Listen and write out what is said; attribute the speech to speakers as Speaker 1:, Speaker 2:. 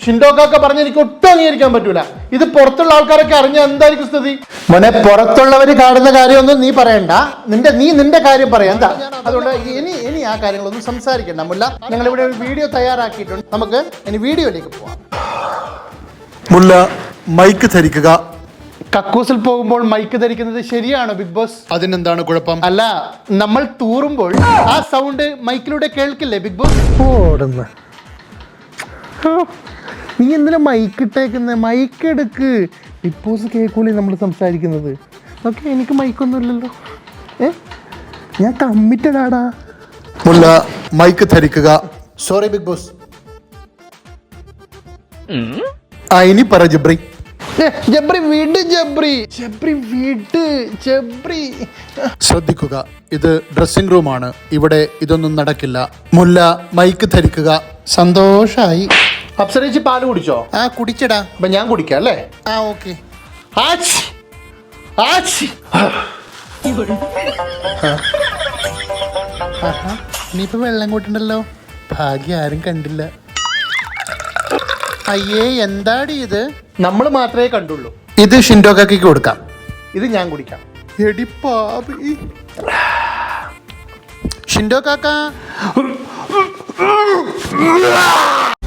Speaker 1: ഷിൻഡോക്കൊക്കെ പറഞ്ഞ് എനിക്ക് ഒട്ടും അംഗീകരിക്കാൻ പറ്റൂല. ഇത് പുറത്തുള്ള ആൾക്കാരൊക്കെ അറിഞ്ഞാൽ എന്തായിരിക്കും സ്ഥിതി? മോനെ, പുറത്തുള്ളവര് കാണുന്ന കാര്യമൊന്നും നീ പറയണ്ട. നിന്റെ കാര്യം പറയാം എന്താ. അതുകൊണ്ട് ഇനി ആ കാര്യങ്ങളൊന്നും സംസാരിക്കണ്ട മുല്ല. ഞങ്ങൾ ഇവിടെ ഒരു വീഡിയോ തയ്യാറാക്കിയിട്ടുണ്ട്. നമുക്ക് ഇനി വീഡിയോയിലേക്ക് പോവാം.
Speaker 2: മുല്ല, മൈക്ക് ധരിക്കുക.
Speaker 1: കക്കൂസിൽ പോകുമ്പോൾ മൈക്ക് ധരിക്കുന്നത് ശരിയാണോ ബിഗ് ബോസ്?
Speaker 2: അതിനെന്താണ് കുഴപ്പം?
Speaker 1: അല്ല, നമ്മൾ തൂറുമ്പോൾ ആ സൗണ്ട് മൈക്കിലൂടെ കേൾക്കില്ലേ ബിഗ് ബോസ്?
Speaker 3: ഓടുന്ന നീ എന്തിനാ മൈക്ക് ഇട്ടേക്കുന്നത്? മൈക്ക് എടുക്ക്. ബിഗ് ബോസ് കേൾക്കൂലേ നമ്മൾ സംസാരിക്കുന്നത്? ഓക്കെ, എനിക്ക് മൈക്കൊന്നും ഇല്ലല്ലോ. ഞാൻ കമ്മിറ്റഡാടാ.
Speaker 2: മുല്ല, മൈക്ക് ധരിക്കുക.
Speaker 1: Sorry big boss.
Speaker 2: ഇനി പറ ജബ്രി.
Speaker 1: ജബ്രി വിട്. ജബ്രി വിട്.
Speaker 2: ശ്രദ്ധിക്കുക, ഇത് ഡ്രസ്സിംഗ് റൂമാണ്. ഇവിടെ ഇതൊന്നും നടക്കില്ല. മുല്ല, മൈക്ക് ധരിക്കുക.
Speaker 1: സന്തോഷായി. അപ്സരേച്ചി പാല് കുടിച്ചോ?
Speaker 2: കുടിച്ചടാ.
Speaker 1: അപ്പൊ ഞാൻ കുടിക്കാം അല്ലേ?
Speaker 2: ഓക്കെ.
Speaker 1: ഇനിയിപ്പോ വെള്ളം കൂട്ടുണ്ടല്ലോ. ഭാഗ്യം, ആരും കണ്ടില്ല. അയ്യേ, എന്താടി ഇത്? നമ്മൾ മാത്രമേ കണ്ടുള്ളൂ.
Speaker 2: ഇത് ഷിൻഡോക്കാക്കി കൊടുക്കാം.
Speaker 1: ഇത് ഞാൻ കുടിക്കാം.
Speaker 2: എടി പാപി. ഷിൻഡോ കാക്ക.